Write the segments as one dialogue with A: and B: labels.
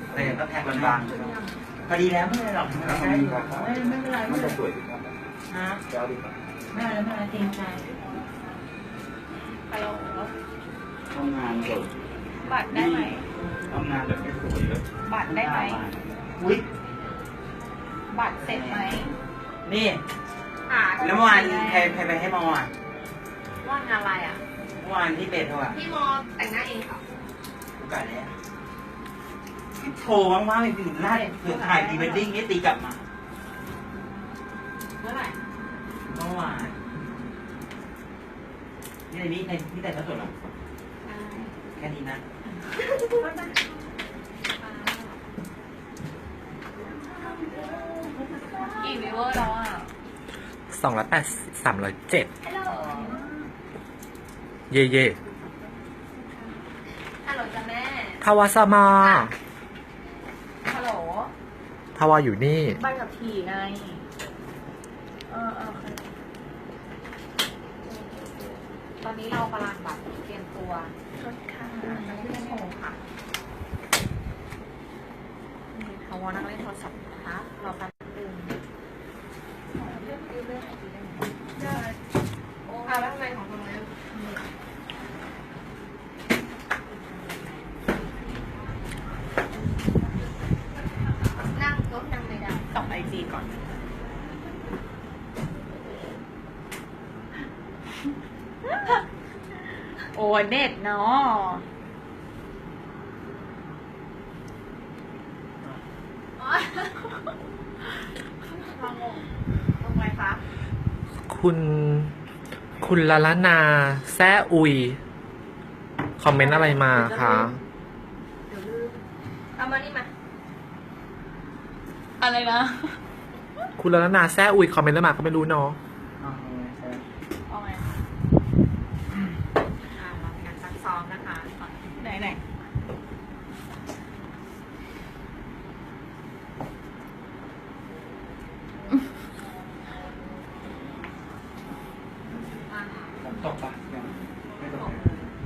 A: แต่ก็แทงบางๆพอดีแล้วไม่เป็นไรหรอกไม่เป็นไรไม่จะสวยดีครับฮะเจ้าดีครับไม่อะไรไม่อะไรเกรงใจ
B: ฮัลโหล
A: ทำงานก่อน
B: บัตรได้ไหม
A: ทำงานแบบไม่สวยเลย
B: บัตรได้ไหม
A: อุ้ย
B: บัตรเสร็จไหม
A: นี่แล้วเมื่อวานใครไปให้มออ่ะ
B: ว่างอะไรอ่ะ
A: เมื่อวานที่เบสเขาอ่ะ
B: พี่มอแต่งหน้าเองค่ะ
A: โอกาสเนี่ยโทรว่างๆเลยถึงไล่เผื่อถ่ายพรีเวดดิ้งนี่ตีกลับมา
B: เมื่อไหร่
A: เมื่อวานนี่แต่งก็สดหรอแค่นี้นะ
B: กี่วิวเวอร์แล้วอ่ะ
C: 280 307
B: ฮัลโหล
C: เย่เย่
B: ฮัลโหลจ้ะแม่
C: ทวาสมา
B: ฮัลโหล
C: ทวาอยู่นี่
B: ใบกับถี่ไงตอนนี้เรากำลังแบบเตรียมตัวชดค่ะจะขึ้นโฮค่ะเขาวอนั่งเล่นโทรศัพท์นะคะเราแป๊บนึงแล้วทำไมของคนนี้นั่งรถนั่งไม่ได้ส่องไอจีก่อนโอ้เน็ตเนาะลงไฟฟ้า
C: คุณลาลานาแซ่อุยคอมเมนต์อะไรมาคะ
B: เดี๋ยวลืมเอามานี่มาอะไรนะ
C: คุณลาลานาแซ่อุยคอมเมนต์อะไรมาก็ไม่รู้เนาะ
B: เอาไงเราเป็นการซักซ้อมนะคะไหน
A: ผมตกปะยังไม่ตก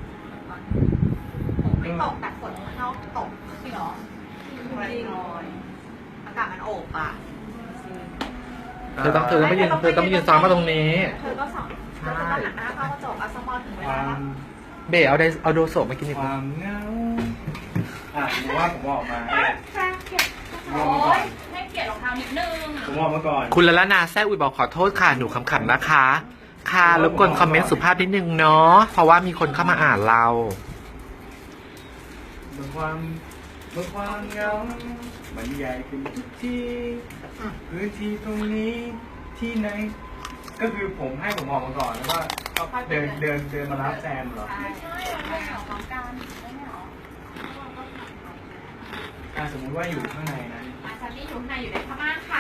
B: ผมไม่ตกแต่ฝนข้างนอกตกจริงเหรอจริงเลยอากาศมันโอบอ่ะ
C: เธอต้องไม่ยืนซ้อมมาตรงนี้
B: เธอก็สอนเธอจะต้องหันหน้าเข้ากระจกอัสมอลถึงเวลา
C: เบ๋เอาโดโซมากินดีก
A: ว่าความเงาผมว่าผมออกมา
B: โอ้ยให้เกียรติรองเท้านิดนึง
A: ผมออกมาก่อน
C: คุณละละนาแซ่อุยบอกขอโทษค่ะหนูขำๆนะคะค่ะรบกวนคอมเมนต์สุภาพนิดนึงเนาะเพราะว่ามีคนเข้ามาอ่านเรา
A: เมื่อความเงามันใหญ่ขึ้นทุกทีพื้นที่ตรงนี้ที่ไหนก็คือผมให้ผมออกมาก่อนแล้วก็เดินมารับแซมเหรอ
B: ใช่ไม่เหรอของการไม่เหรอ
A: สมมติว่าอยู่ข้างในนะ
B: ฉันนี่อยู่ข้างในอยู่ในพม่าค่ะ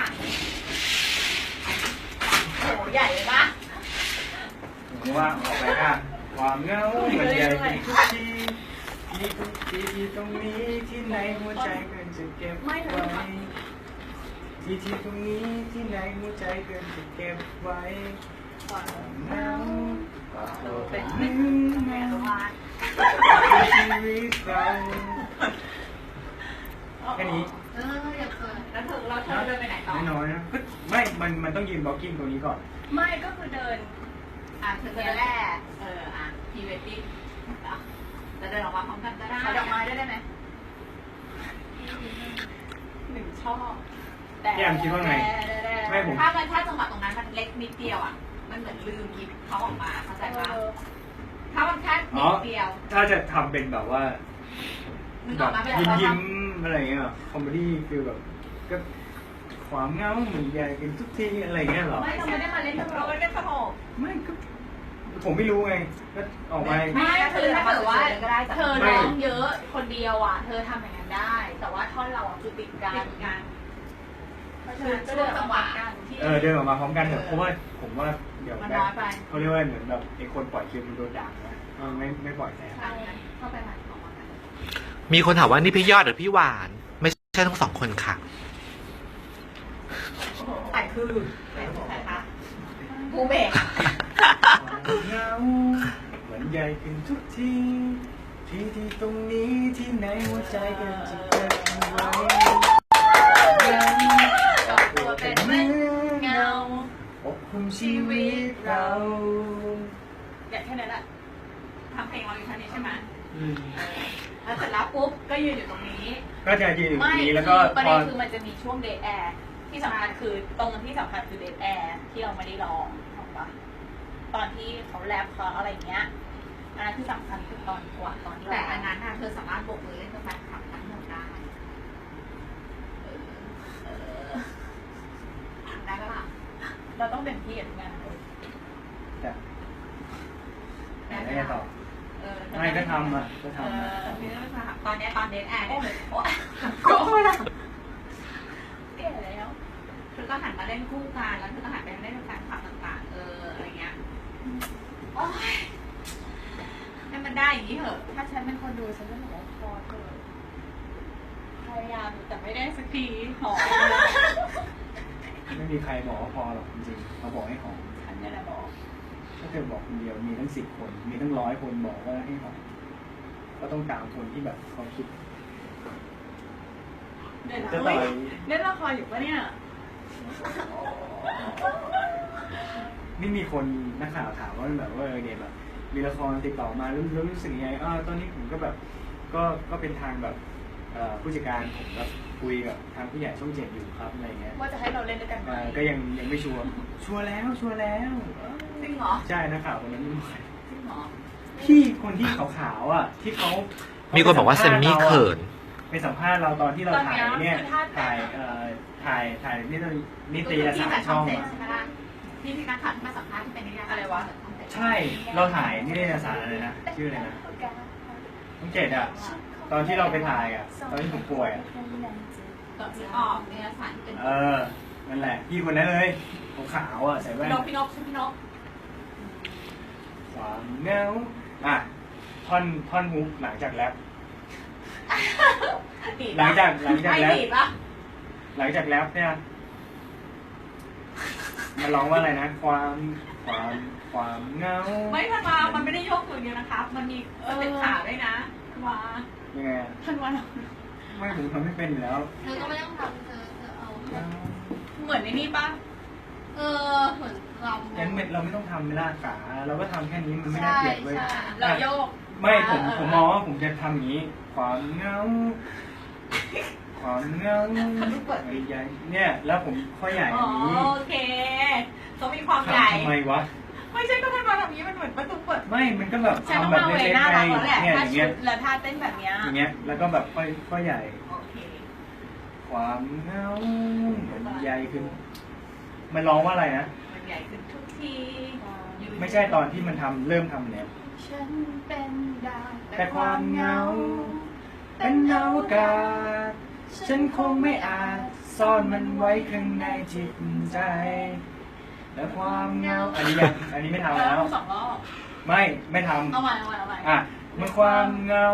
B: โหใหญ่เลยปะ
A: ผมว่าออกไปค่ะความเงามันใหญ่ขึ้นทุกทีที่ตรงนี้ที่ไหนหัวใจเกินจะเก็บไว้ที่ตรงนี้ที่ไหนหัวใจเกินจะเก็บไว้เงา
B: เป็นแม่ละวัน
A: ชีวิตเราแค่นี้
B: อย่าเกินแล้วเธอเดินไปไหนต่อ
A: น้อยนะไม่มันต้องยืนบล็อกกิ้งตรงนี้ก่อน
B: ไม่ก็คือเดินเธอแรกพรีเวดดิ้งจะเดินออกมาพร้อมกันก็ได้ดอกไม้ได้ไหมหนึ่งช่อ
A: แต่ยังคิดว่าไง
B: ไม่ผมถ้าจังหวะตรงนั้นมันเล็กนิดเดียวอ่ะมันเหมือนลืมหยิบเขาออกมาเข้าใจปะถ้ามันแค่นิดเดียว
A: ถ้าจะทำเป็นแบบว่าแบบยิ้มอะไรเงี้ยคอมเมดี้ฟิลแบบก็ความเงาเหมือนใหญ่กันทุกทีอะไรเงี้ยหรอ
B: ไม่เราไม่ได้มาเล่นเราไม่ได้สนุก
A: ไม่ก็ผมไม่รู้ไงก็ออกมา
B: ไม่คือถ้าเกิดว่าเธอร้องเยอะคนเดียวอ่ะเธอทำอย่างนั้นได้แต่ว่าท่อนเราคือติดกันเธอจะเดินจังหวะกัน
A: เดินออกมาพร้อมกันเถอะเพราะว่าผมว่าเดี๋ยวเขาเรียกว่าเหมือนแบบไอ้คนปล่อยคิวมันโดนด่าไม่ปล่อยแทน
B: เข้าไปใหม่
C: มีคนถามว่านี่พี่ยอดหรือพี่หวานไม่ใช่ทั้งสองคนค่ะ
B: แต่คือใครคะบูเบก
A: เงาเหมือนใหญ่ขึ้นทุกทีที่ตรงนี้ที่ไหนหัวใจกันจะเกิดไว้กับตัวเป็นเหมือนเงาปกคลุมชีวิตเรา
B: อยากแค่นั้นแหละทำเพลงเราอยู่แค่นี้ใช่ไหมแล้วเสร็จแล้วปุ๊บก็ยืนอยู่ตรงนี้
A: ก็จะยืนอยู่ตรงนี้แล้วก็
B: ประเด็นคือมันจะมีช่วงเดทแอร์ที่สำคัญคือตรงที่สำคัญคือเดทแอร์ที่เราไม่ได้ร้องถูกปะตอนที่เขาแรปเขาอะไรเงี้ยอันนั้นที่สำคัญคือตอนกว่าตอนที่
D: แต่อันนั้นน่ะเธอสามารถโบกมือเล่นกับแฟนคลับทั้งหมดได้ได้ปะล่ะ
B: เราต้องเป็นพี่กับงานเลย
A: แต่ไม่ได้ต่อไม่ก็ทำอ่ะก็ทำ
D: พี่ต้องทำตอนนี้ตอนเดทแอร์เนี่ย
B: โอ้ยแก่แล้ว
D: เธอก็หันมาเล่นคู่กันแล้วเธอก็หันไปเล่นกับแฟนคลับต่างๆอะไรเงี้ยโอ้ยให้มันได้อย่างนี้เถอะ
B: ถ้าฉันเป็นคนดูฉันจะบอกว่าพอเถอะพยายามแต่ไม่ได้สักทีหอม
A: ไม่มีใครบอกว่าพอหรอกจริงๆเขาบอกให้หอม
B: ฉันนี่แหละบอก
A: ถ้าเธอบอกคนเดียวมีทั้ง10 คนมีทั้ง100 คนบอกว่าให้หอมก็ต้องตามคนที่แบบเขาคิด
B: เดี๋ยวนะ
A: จะต่อย
B: เล่นละครอยู่ปะเนี่ย
A: นี่มีคนนักข่าวถามว่าแบบว่าเนี่ยแบบมีละครติดต่อมาแล้วรู้สึกยังไงตอนนี้ผมก็แบบก็เป็นทางแบบผู้จัดการผมแบบคุยกับทางผู้ใหญ่ช่อง7อยู่ครับอะไรเงี้ย
B: ว่าจะให้เราเล่นด้วยกันไหม
A: ก็ยังไม่ชัวร์แล้ว
B: จริงเหรอ
A: ใช่นักข่าวคนนั้นไม่ไหว
B: จริงเหรอ
A: พี่คนที่ขาวๆอ่ะที่เขา
C: มีคนบอกว่าเซมมี่เขิน
A: ไปสัมภาษณ์เราตอนที่เราถ่ายเนี่ยถ่ายนิตยสารช่อง
D: ใช่
A: อะ
D: ไหมล่ะที่มีการขัดมาสัมภาษณ์ที่เป็นนิยายอะไรวะ
A: ใช่เราถ่ายนิตยสารอะไรนะชื่ออะไรนะช่อง7อ่ะตอนที่เราไปถ่ายอ่ะตอนที่ผมป่วยอ่ะ
D: ต่อที่ออกนิยายสารที่เป็น
A: นั่นแหละพี่คนนั้นเลยขาวๆอ่ะใส่แว่น
B: พี่นกใช่พี่นก
A: ความเหงาท่อนฮุกหลังจากแรปหลังจากแรปหลังจากแรปเนี่ยมันร้องว่าอะไรนะความเหงา
B: ไม่ทันวามันไม่ได้ยกตัวเดียวนะครับ มันมีเต็มขาด้วยนะทันวา
A: ยังไงอะ
B: ทันวา
A: ไม่ผมทำไม่เป็นอยู่แล้ว
D: เธอก็ไม่ต้องทำเธอเอา
B: เหมือนในนี่ปะ
D: เหมือนเรา
A: งั้นเราไม่ต้องทำไม่ล่าขาเราก็ทำแค่นี้มันไม่น่าเกลียดเว้ย
B: เราโยก
A: ไม่ผมมองว่าผมจะทำอย่างนี้ ความเหงาใหญ่เนี่ยแล้วผมข้อใหญ่อย่างนี้
B: โอเคเขามีความใหญ่
A: ทำไมวะ
B: ไม่ใช่ก็ทันวาแบบนี้มันเหมือนประตูเปิด
A: ไม่มันก็แบบ
B: ฉันต้อง
A: ทำแบบ
B: มาเว
A: เล็ก
B: น่า
A: ๆไง
B: รักแล้วแหละ
A: เนี่ย
B: ถ้า
A: อย่าง
B: ชุ
A: เงี้ย
B: ดและท่าเต้นแบบเนี้ย
A: อย่างเงี้ยแล้วก็แบบข้อใหญ่
B: โอเค
A: ความเหงามันใหญ่ขึ้นมันร้องว่าอะไรนะ
B: มันใหญ่ขึ้นทุกที
A: ไม่ใช่ตอนที่มันเริ่มทำเนี่ย
B: ฉันเป็นดาว
A: แต่ความเหงาเป็นอวกาศฉันคงไม่อาจซ่อนมันไว้ข้างในจิตใจ และความเหงาอันนี้ไม่ทำแล้ว
B: 2 รอบ
A: ไม่ทำ
B: เอาใหม่
A: มันความเหงา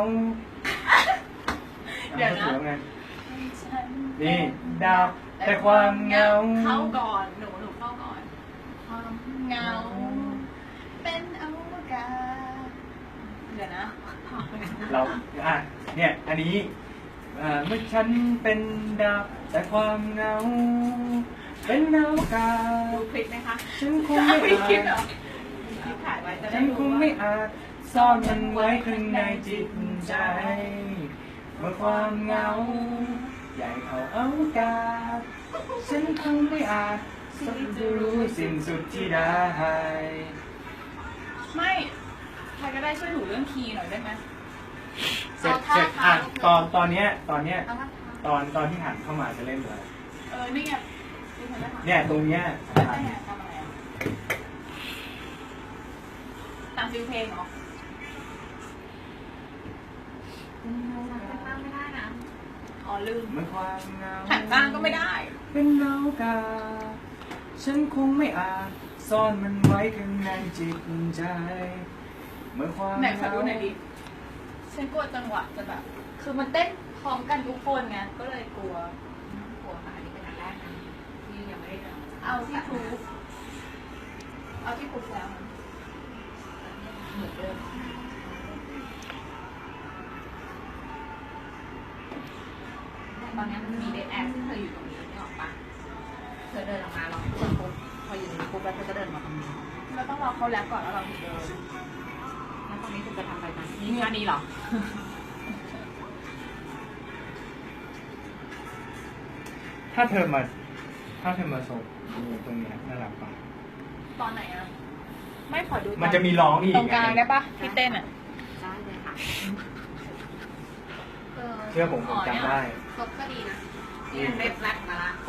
B: เดี๋ยวนะ
A: ไงนี่ดาวแต่ความเหงา
B: เข้าก่อนหนูเข้าก่อนความเหงาเป็นอวกาศเดี๋ยวนะ
A: เราเนี่ยอันนี้เมื่อฉันเป็นดาวแต่ความเหงาเป็นอวกาศ
B: ดูคลิปไหมคะ
A: ฉันคงไม่
B: คลิป
A: อา
B: เหรอ
A: จ
B: คลิปถ่ายไว้จะได้
A: ฉันค
B: รู้
A: ง
B: ว่า
A: ไม่อาจซ่อนมันไว้ข้างในจิตใจ เมื่อความเหงาใหญ่เท่าอวกาศฉันคงไม่อาจจะรู้สิ้นสุดที่ได้
B: ไม่ใครก็ได้ช่วยหนูเรื่องคีย์หน่อยได้ไหม
A: เสร็จตอนเนี้ยตอนที่หันเข้ามาจะเล่นเลย
B: นี่ไงดิฉันจะถาม
A: เนี่ยตรงเนี้ยสำคัญ
B: ทำอะไรอ่ะตามฟิลเพลงเหรอ
D: ตั้งไม่ได้นะ
B: อ๋อลืม
A: เมื่อความเหงา
B: หันบ้างก็ไม่ได้
A: เป็นอวกาศฉันคงไม่อาจซ่อนมันไว้ข้างในจิตใจเมื่อความ
B: ไหนขอดูหน่อยดิ ฉันกลัวจังหวะจะแบบ คือมันเต้นพร้อมกันทุกคนไง ก็เลยกลัว
D: หัวค่ะอันนี้เป็นอันแรกนะที่ยังไม่ได้เจอ
B: เอาที่ครูเอาที่ครูแล้ว
D: เหมือนเดิมตอนนี้มันมีเดทแอร์ที่เธออยู่ตรงนี้นี่ออกปะเธอเดินออกมาเราเปิดปุ๊บพออยู่ในปุ๊บแล้วเธอก็เดินมาตรงนี้
B: เราต้องรอเขาแล้วก่อนแล้วเราถึงเดิน
D: แล้วตรงนี้เธอจะทำอะไรกันนี่งานนี้เหรอ
A: ถ้าเธอมาส่งตรงเนี้ยน่ารักปะ
B: ตอนไหนอะไม่ขอดู
A: มันจะมีร้องอีก
B: ตรงกลางได้ปะที่เต้นอะ
D: ได้เลยค่ะ
A: เชื่อผมจำได้
D: ครบก็ดีนะนี่เล็บแรกมาละ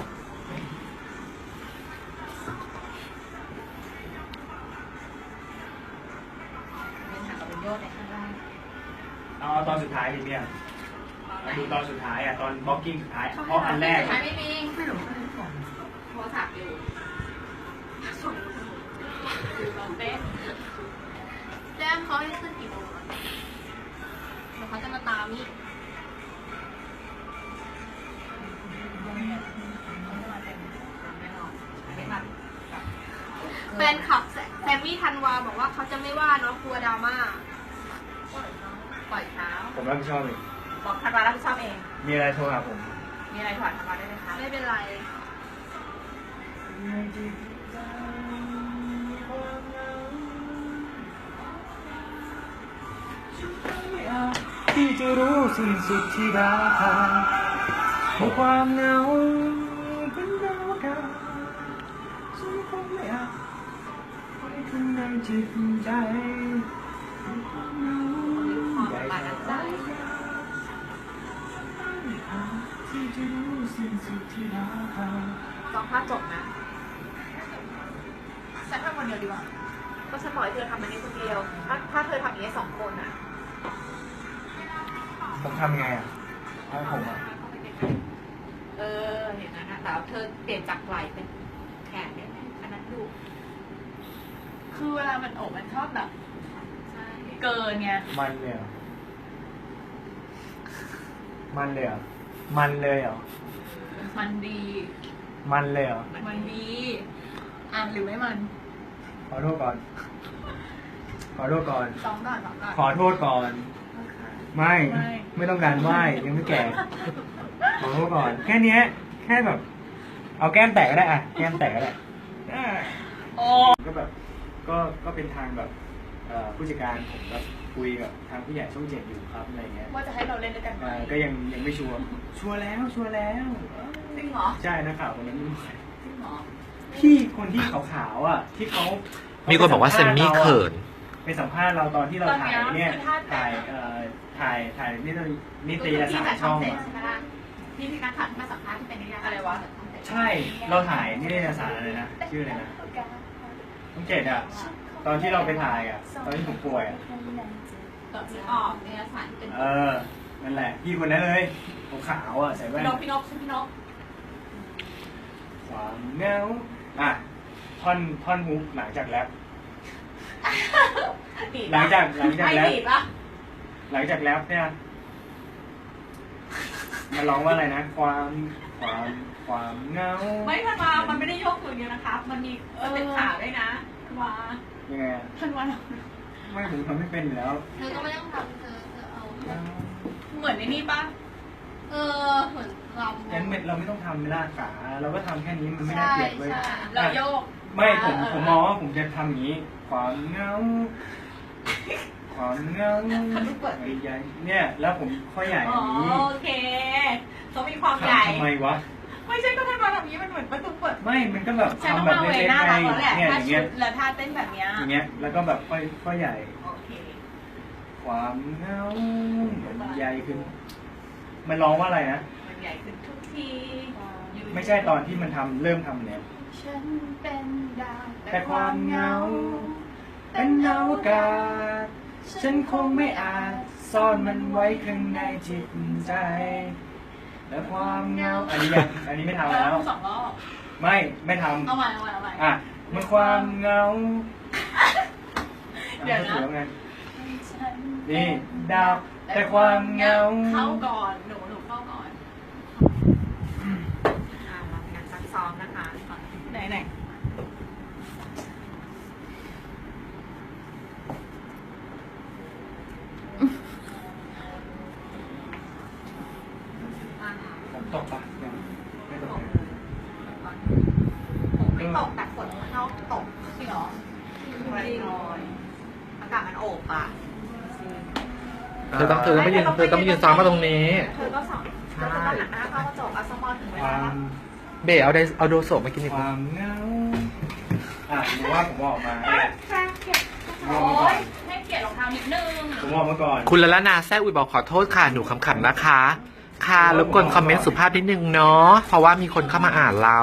D: เป็นหางกับเป็นโยชน์ในข้างล่าง
A: เอาตอนสุดท้ายดิเนี่ยดูตอนสุดท้ายอ่ะตอนบล็อกกิ้งสุดท้ายเพราะอันแรก
D: สุดท้ายไม่มีไม่รู้โทรศัพท์อยู่
B: คือตอนเต้น
D: แจ้งเขาให้ขึ้นกี่โมงอะเดี๋ยวเขาจะมาตามนี่ไม่หรอกไม่มา
E: แฟนคลับแซมมี่ธันวาบอกว่าเขาจะไม่ว่าเนาะกลัวดราม่า
D: ปล่อยเช้า
A: ผมรับผิดชอบเอง
D: บอกธันวารับผิดชอบเอง
A: มีอะไรโทรหาผม
D: มีอะไรถอดธันวาได้ไหมคะ
E: ไม่เป็นไร
A: ที่จะรู้สิ้นสุดที่ราคาของความเหงาเป็นดาวกันฉันคงไม่อาจไว้ข้างในจิตใจความเหงา
D: ความปานใจ
A: ที่จะรู้สิ้นสุดที่ราคา
D: สองภาพจบนะ
B: ฉันทำคนเดียวดีกว่า
D: ก็ฉันบอกให้เธอทำอันนี้คนเดียว ถ้าเธอทำอย่างนี้สองคนอ่ะ
A: ผมทำไงอ่ะให้ผมอ่ะ
D: อย่างนั้นนะแต่เธอเปลี่ยนจากไหล่เป็นแขนเนี่ยอันนั้นดู
B: คือเวลามันอกมันชอบแบบ
D: ใช่
B: เกินไง
A: มันเลยเหรอมันเลยเหรอมันเลยเหรอ
B: มันดี
A: มันเลยเหรอ
B: มันดี อ่ะหรือไม่มัน
A: ขอโทษก่อน ขอโทษก่อน
B: สองก่อนสองก่อน
A: ขอโทษก่อน ไม่ ไม่ต้องการไหว้ยังไม่แก่ ขอโทษก่อน แค่เนี้ย แค่แบบ เอาแก้มแตกก็ได้อะแก้มแตกก็ได้
B: โอ้
A: ก็แบบ ก็เป็นทางแบบผู้จัดการผมแบบคุยกับทางผู้ใหญ่ช่องเจ็ดอยู่ครับอะไรเงี้ย
B: ว่าจะให้เราเล่นด้วยกันไหม
A: ก็ยังไม่ชัวร์ ชัวร์แล้ว ชัวร์แล้ว
D: จริงเหรอ
A: ใช่นักข่าวคนนั้นไม่รู้ใคร
D: จริงเหรอ
A: พี่คนที่ขาวๆอ่ะ ที่เขา
C: มีคนบอกว่าเซมมี่เขิน
A: ไปสัมภาษณ์เราตอนที่เรา
B: ตอน
A: ถ่าย
B: เนี้ย
A: เนี่ย
B: คือถ้า
A: ถ่ายนิตยสารช่อง
D: ใช่ไหมล่ะนี่ที่นักข่าวที่มาสัมภาษณ์ที่เป็นนิยาย
B: อะไรวะ
A: ใช่ เราถ่ายนิตยสารอะไรนะ ชื่ออะไรนะช่องเจ็ดอ่ะ ตอนที่เราไปถ่ายอ่ะ ตอนที่ผมป่วยอ่ะ
D: ตอนที่ออกนิยายสารที่เป็น
A: นั่นแหละ พี่คนนั้นเลยขาวๆอ่ะ ใส่แว่น
D: พี่นกชื่อพี่นก
A: ความเหงาอ่ะ ท่อนฮุกหลังจากแรป หลังจากแรป
D: ไม่ดีปะ
A: หลังจากแรปเนี่ยมันร้องว่าอะไรนะ ความเหงา
D: ไม่ทันวามันไม่ได้ยกมือเดียวนะคะ มันมีเป็นขาด้วยนะว่า
A: ยังไงอะ
B: ท่านว่า
A: ไม่ผมทำไม่เป็นอยู่แล้ว
E: เธอก็ไม่ต้องทำเธอเอา
B: เหมือนในนี่ปะ
E: เหมือนรำ
A: งั้นเราไม่ต้องทำเวลาขาเราก็ทำแค่นี้มันไม่น่าเกลียดเว้ย
E: ใช่
B: เราโยก
A: ไม่ผมมองว่าผมจะทำอย่างนี้ ความเหงาใหญ่เนี่ยแล้วผมข้อใหญ่อย่างนี้
D: โอเคเขามีความใหญ่
A: ทำไมวะ
D: ไม่ใช่ก็ทันวาแบบนี้มันเหมือนประตูเปิด
A: ไม่มันก็แบบ
B: ฉันต้อง
A: ทำแบบ
B: มาเว
A: เล็ก
B: น่า
A: ๆไง
B: รักแล้วแหละ
A: เนี่ยอ
B: ถ้า
A: ย่าง
B: ชุ
A: เงี้ย
B: ดแล้วถ้าเต้นแบบเนี้ย
A: อย่างเงี้ยแล้วก็แบบข้อใหญ่
D: โอเค
A: ความเหงามันใหญ่ขึ้น มันร้องว่าอะไรนะ
D: มันใหญ่ขึ้นทุกที
A: ไม่ใช่ตอนที่มันเริ่มทำเนี่ย
B: ฉันเป็นดาว
A: แต่ความเหงาเป็นอวกาศฉันคงไม่อาจซ่อนมันไว้ข้างในจิตใจ และความเหงาอันนี้ไม่ทำ
B: แล้
A: แล้ว ว
B: สองรอบ
A: ไม่ทำ
B: เอาใหม่
A: อ่ะมันความเหงา
B: เดี๋ยวนะ
A: ถูกไงนี่ดาวแต่ความเหงา
B: เข้าก่อนหนูเข้าก่อน
D: เราเป็นการซักซ้อมนะคะ
B: ไหน
A: ตกปะยังไม่ตกเลย
D: ผมไม่ตกแต่ฝนข้างนอกตก
B: จริงเหรอ
D: ปริโอยอากาศมันโอบอ่ะ
C: เธอต้องไม่ยืนซ้อมมาตรงนี้
D: เธอก็สอนเธอก็หันหน้าเข้ากระจกอัสมอลถึงเว
A: ควา
D: ลาม
C: เบ๋เอาโดโซมากินดี
A: ค
C: กว่า
A: วามเหงาหรือว่าผมออกมา
B: โอ้ยให้เกียรติรองเท้านิดนึง
A: ผมออกมาก่อน
C: คุณละละนาแซ่อุยบอกขอโทษค่ะหนูขำๆนะคะ ค่ะรบกวนคอมเมนต์สุภาพนิดนึงเนาะเพราะว่ามีคนเข้ามาอ่านเรา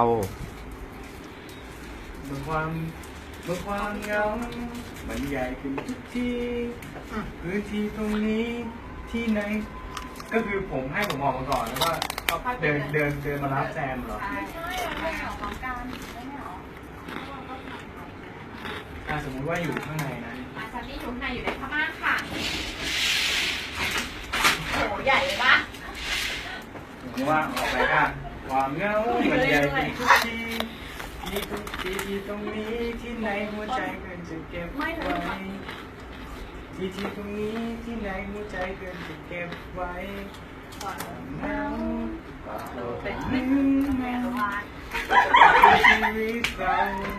A: เมื่อความเหงามันใหญ่ขึ้นทุกทีพื้นที่ตรงนี้ที่ไหน ก็คือผมให้ผมออกมาก่อนแล้วว่าเดินมารับแซมเหรอ
D: ใช่
B: ไม่เหรอพร้อมกันไม่เหรอ
A: สมมุติว่าอยู่ข้างในนะ
D: อาจารย์นี่อยู่ข้างในอยู่ในพม่าค่ะ
B: โหใหญ่เลยปะ
A: ผมว่าออกไปค่ะความเหงามันใหญ่ขึ้นทุกทีที่ตรงนี้ที่ไหนหัวใจเกินจะเก็บไว้ที่ตรงนี้ที่ไหนหัวใจเกินจะเก็บไว้ความเหงาเป็นหนึ่งในชีวิตเรา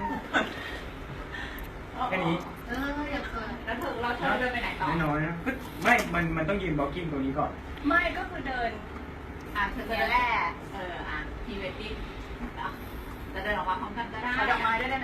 A: แค่นี้
D: อย่าเกินแล้วเธอเดินไปไหนต่อ
A: น้อยๆนะไม่ มันต้องยืนบล็อกกิ้งตรงนี้ก่อน
B: ไม่ก็คือเดิน
D: เธอเดินแรกพรีเวดดิ้งจะเดินออกมาพร้อมกันก็ได้
B: เอาดอกไม้ได้ไหม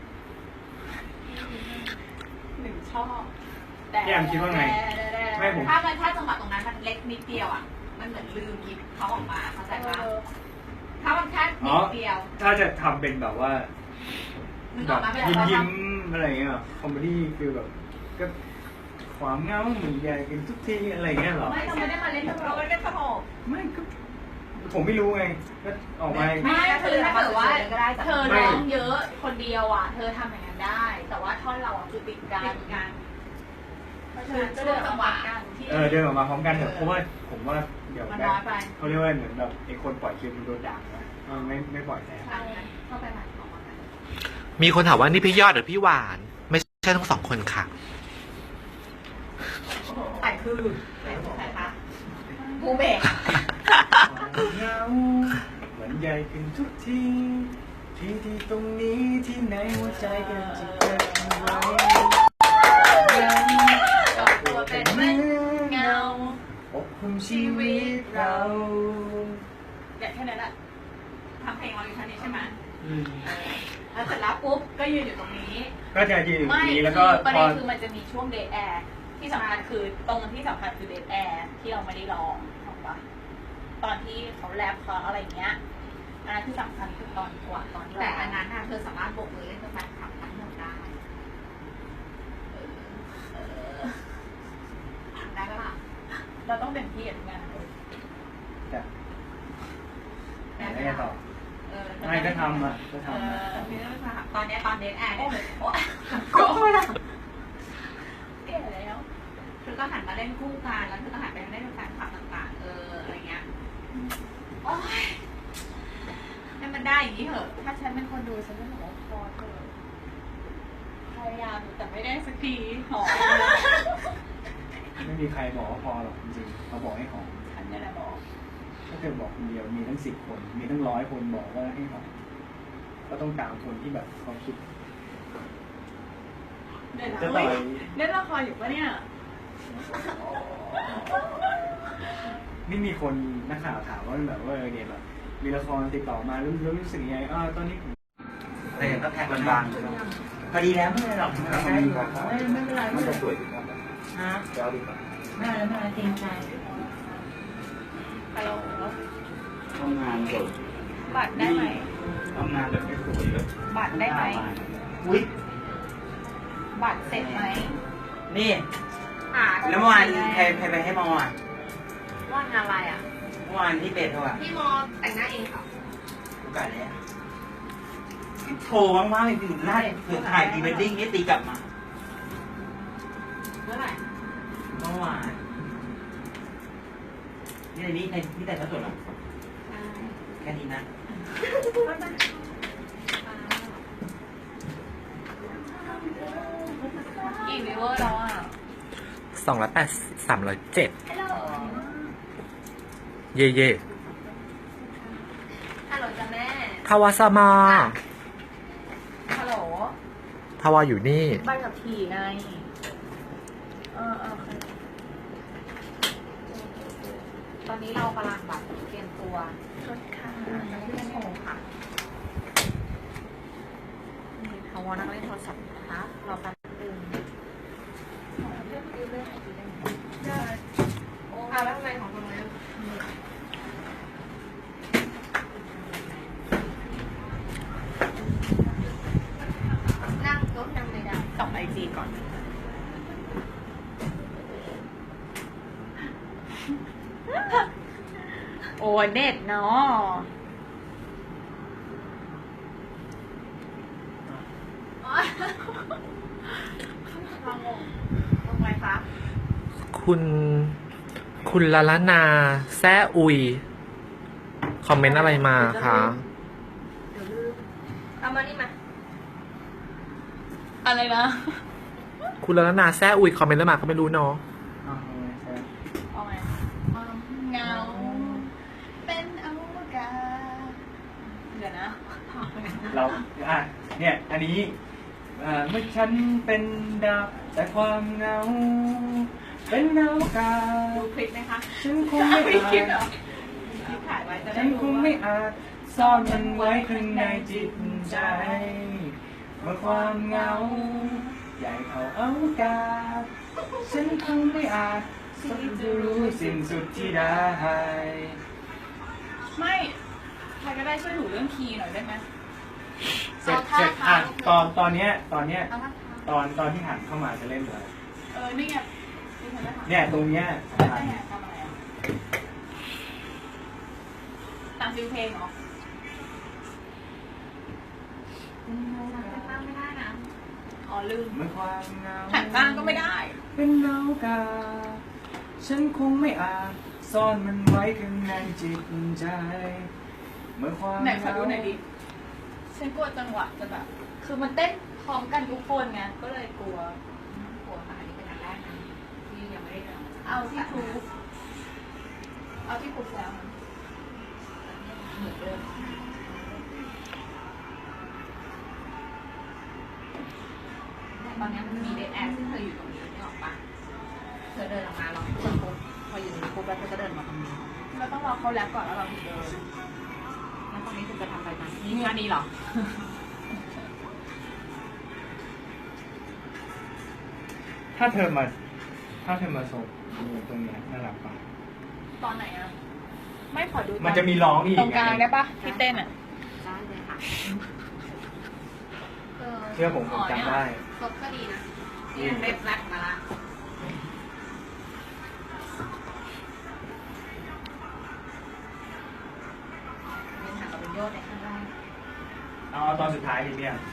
B: หนึ่งชอบแต่
A: พี่แอมคิดว่าไง ไม่ผม
D: ถ้าจังหวะตรงนั้นมันเล็กนิดเดียวอ่ะ มันเหมือนลืมหยิบเขาออกมาเข้าใจปะถ้ามันแค่นิดเดียว
A: ถ้าจะทำเป็นแบบว่า
D: นึก
A: แบ
D: ออก
A: บ
D: มา
A: ยิ้มอะไรเงี้ยคอมเมดี้คือแบบก็ความเหงาเหมือนใหญ่กันทุกทีอะไรเงี้ยเหรอ
B: ไม่เราไม่ได้มาเล่นเราไม่ได้สนุก
A: ไม่ก็ผมไม่รู้ไงก็ออกมา
B: ไม่คือถ้าเกิดว่าเธอร้องเยอะคนเดียวอ่ะ เธอทำอย่างนั้นได้ แต่ว่าท่อนเราอ่ะคือติดกันเพราะฉะนั้นก็เดินจังหวะกันที่
A: เดินออกมาพร้อมกันเถอะเพราะว่าผมว่าเดี๋ยว
D: มันน้อยไป
A: เขาเรียกว่าเหมือนแบบไอ้คนปล่อยคิวมันโดนด่านะไม่ปล่อยแทน
D: เข้าไปใหม่ออกมา
C: มีคนถามว่านี่พี่ยอดหรือพี่หวาน ไม่ใช่ทั้งสองคนค่ะ
D: แต่คือใครคะภูเบศ
A: เหงาเหมือนใหญ่ขึ้นทุกทีที่ตรงนี้ที่ไหนหัวใจกันจะเก็บไว้
B: ตัวเป็นเหมือนเงา
A: อบคุมชีวิตเรา
B: อย่างแค่นั้นแหละ
D: ทำเพลงเราอยู่ท่านี้ใช่ไหมแล้วเสร็จแล้วปุ๊บก็ยืนอยู่ตรงนี้
A: ก็จะยืนอยู่ตร
B: ไม่
A: งนี้
B: คื
A: แล้ว
B: อ
A: ก็
B: ประ
A: พ
B: เด็
A: อน
B: คือมันจะมีช่วงเดทแอร์ที่สำคัญคือตรงที่สำคัญคือเดทแอร์ที่เราไม่ได้ร้องถูกปะตอนที่เขาแรปเขาอะไรเงี้ยอันนั้นคือสำคัญคือตอนกว่าตอนที่
D: แต่อันนั้นเธอสามารถโบกมือเล่นกับแฟนคลับทั้งหมดได้ได้ปะล่ะ
B: เราต้องเป็นพี่กับงานเลย
A: จะไม่ได้ต่อ
D: ไม่
A: ไม่ก็ทำอ่ะก็ทำ
D: ตอนนี้ตอนเดทแอร์เนี่ย
B: ก็ไม่ละแก่แล้ว
D: เธอก็หันมาเล่นคู่กันแล้วเธอก็หันไปเล่นกับแฟนคลับต่างๆอะไรเงี้ยโอ๊ยให้มันได้อย่างนี้เถอะ
B: ถ้าฉันเป็นคนดูฉันจะบอกว่าพอเถอะพยายามแต่ไม่ได้สักทีหอม
A: ไม่มีใครบอกว่าพอหรอกจริงๆเขาบอกให้หอม
B: ฉันนี่แหละบอก
A: ถ้าเธอบอกคนเดียวมีทั้ง10 คนมีทั้ง100 คนบอกว่าให้หอมก็ต้องตามคนที่แบบเขาคิด
B: เล่น
A: จะต่อย
B: เล่นละครอยู่ปะเนี่ย
A: นี่มีคนนักข่าวถามว่าแบบว่าเนี่ยแบบมีละครติดต่อมารู้สึกยังไงตอนนี้ผม
F: แต่ยังก็แทงบางๆพอดีแล้วไม่เป็นไรหรอกไม่เป็นไรมันจะสวยดีกว่าฮะเจ้าดีกว่าไม่เป็นไรเกรงใจ
B: ฮัลโหล
F: ทำงานสด
B: บัตรได้ไหม
F: ทำงานแบบไม่สวยเลย
B: บัตรได้ไหม
F: อุ้ย
B: บัตรเสร็จไหม
F: นี่แล้วเมื่อวานใครไปให้มออ่ะ
D: ว่างอะไรอ่ะ
F: เมื่อวานที่เป็ดเขาอ่ะ
E: พี่มอแต่งหน้าเองค่ะ
F: โอกาสเนี่ยโทรว่างๆอยู่ไล่เผื่อถ่ายพรีเวดดิ้งนี่ตีกลับมา
D: เมื่อไหร่
F: เมื่อวานนี่แต่งก็สวยหรอแค่นี้นะ
B: กี่วิวเวอร์แล้วอ่ะ
C: 280 307 เย่
E: ฮัลโหลจ้ะแม่
C: ทวาสมา
B: ฮัลโหล
C: ทวาอยู่นี่
B: ใบกับขี่ไงตอนนี้เรากำลังแบบเตรียมตัวรถค่ะจะขึ้นโมงค่ะนี่ทวานั่งเล่นโทรศัพท์นะคะรอแป๊บนึงเรื่องไอจีได้ไหม
E: ได้แล้วทำไมของตรงนี้นั่งรถนั่งไม่ได้
B: ส่องไอจีก่อน โอ้เน็ตเนาะ
E: ลองลงไปฟ้า
C: คุณลาลานาแซ่อุย คอมเมนต์อะไรมาคะ
E: เดี๋ยวลืมเอามานี่มา
B: อะไรนะ
C: คุณลาลานาแซ่อุย คอมเมนต์อะไรมาก็ไม่รู้เนาะ
A: อ้าวไม่ใช่
B: เอาไงเงา เป็นอวกาศเดี๋ยวนะ
A: เราเนี่ยอันนี้เมื่อฉันเป็นดาวแต่ความเหงาเป็นดาวกา
B: ดูคลิปไหมคะ
A: ฉันคงไม่
B: คลิปเหร
A: อา
B: อ
A: จ
B: คลิปถ่ายไว้จะได้
A: ฉันค
B: รู้
A: ง
B: ว่า
A: ไม่อาจซ่อนมันไว้ข้างในจิตใจ เมื่อความเหงาใหญ่เท่าอวกาศฉันคงไม่อาจที่จะรู้สิ้นสุดที่ได้
B: ไม่ใครก็ได้ช่วยหนูเรื่องคีย์หน่อยได้ไหม
A: เสร็จตอนเนี้ย
E: เอาท่าทาง
A: ตอนที่หันเข้ามาจะเล่นเลย
B: นี่ไงนี่ฉันจะถาม
A: เนี่ยตรงเนี้ยสำคัญ
B: ทำอะไรอ่ะตามฟิลเพลงเหรอ
D: ตั้งไม่ได้นะ
B: อ๋อลืม
A: เมื่อความเหงา
B: หันข้างก็ไม่ได้
A: เป็นเงากาฉันคงไม่อาจซ่อนมันไว้ข้างในจิตใจ เมื่อความ
B: ไหนขอดูหน่อยดิ ฉันกลัวจังหวะจะแบบ คือมันเต้นพร้อมกันทุกคนไง ก็เลยกลัว
D: ปวดขาอันนี้เป็นอันแรกนะที่ยังไม่ได้เดิน
B: เอาที่ทูบเอาที่ปลุกแล้ว
D: เหมือนเดิมตอนนี้มันมีเดทแอร์ที่เธออยู่ตรงนี้นึกออกปะเธอเดินออกมาลองพูดปุ๊บพออยู่ตรงนี้ปุ๊บแล้วเธอก็เดินมาตรงนี้
B: เราต้องรอเขาแล้วก่อนแล้วเราถึงเดิน
D: แล้วตรงนี้คุณจะทำอะไรกันนี่งานนี้เหรอ
A: ถ้าเธอมาส่งตรงเนี้ยน่ารักป่ะ
B: ตอนไหนอ่ะ ไม่ขอดู
A: มันจะมีร้องอีก
B: ตรงกลางได้ปะที่เต้นอ่ะ
D: ได้เลยค่ะ
A: เชื่อผมจำได้
E: ครบก็ดีนะ
D: นี่มันเล็บแรกมาละเป็นหักกับเป็นโยชน์ในข้างล่าง
A: เอาตอนสุดท้ายดิเนี่ย